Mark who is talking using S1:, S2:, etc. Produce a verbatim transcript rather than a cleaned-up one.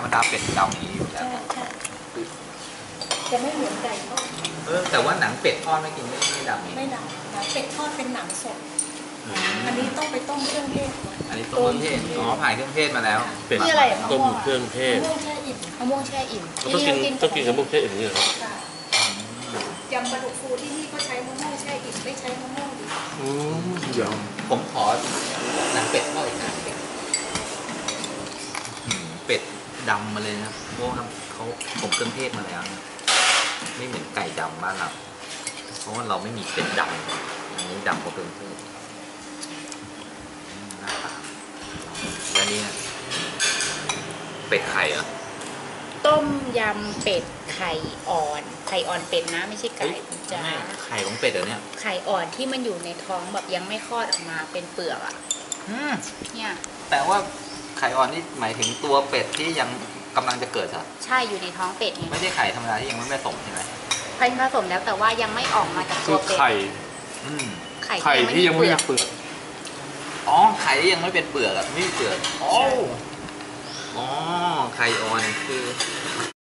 S1: รมดาเป็ดดำอย่างนี้อยู่แล้ว
S2: ใช่ใช่จะไม่เหมือนไก่ทอด
S1: เออแต่ว่าหนังเป็ดทอดไม่กินไม่ไม่ดำนี่
S2: ไม่ดำหนังเป็ดทอดเป็นหนังสดอันนี้ต้องไปต้มเครื่องเทศก่อน
S1: อันนี้ต้มเครื่องเทศอ๋อผ่านเครื่องเทศมาแล้ว
S3: เป็ด
S2: นี่อะไรอ่ะ
S3: ต้มเครื่องเทศ
S2: มะม่วงแช่อิ่มมะม่วงแช่อิ่ม
S3: เราต้องกินต้องกินกับพวกเทศอย่างนี้เหรอครับ
S2: ค่ะยำปลาดุกฟูที่นี่ก็ใช้มะม่วงแช่อิ่มไม่ใช้มะม่วงดิบ
S3: อืมเดี๋ยว
S1: ผมขอหนังเป็ดทอดอีกหนังเป็ดอืมเป็ดดำมาเลยนะครับเพราะว่าเขาผมเครื่องเทศมาแล้วนะไม่เหมือนไก่ดำบ้านเราเพราะว่าเราไม่มีเป็ดดำอันนี้ดำเพราะเครื่องเทศอืมหน้าตาและนี่นะเป็ดไข่เหรอ
S4: ต้มยำเป็ดไข่อ่อน ไข่อ่อนเป็ดนะไม่ใช่ไก่จ้า
S1: ไม่ไข่ของเป็ดเหรอเนี่ย
S4: ไข่อ่อนที่มันอยู่ในท้องแบบยังไม่คลอดออกมาเป็นเปลือกอ่ะ
S1: อืม
S4: เนี่ย
S1: แต่ว่าไข่อ่อนนี่หมายถึงตัวเป็ดที่ยังกำลังจะเกิดเหรอ
S4: ใช่อยู่ในท้องเป็ดไง
S1: ไม่ใช่ไข่ธรรมดาที่ยังไม่ผสมใช่ไหม
S4: ไข่ผสมแล้วแต่ว่ายังไม่ออกมาจาก
S3: คื
S4: ตั
S3: อ
S4: วเป็ด
S3: ไข่
S1: อืม
S4: ไข่
S3: ไข่ที่ยังไม่มี
S4: เปลือก
S3: เปลือก
S1: อ๋อไข่ที่ยังไม่เป็นเปลือกอะไม่มีเปลือกอ๋ออ๋อไข่อ่อนคือ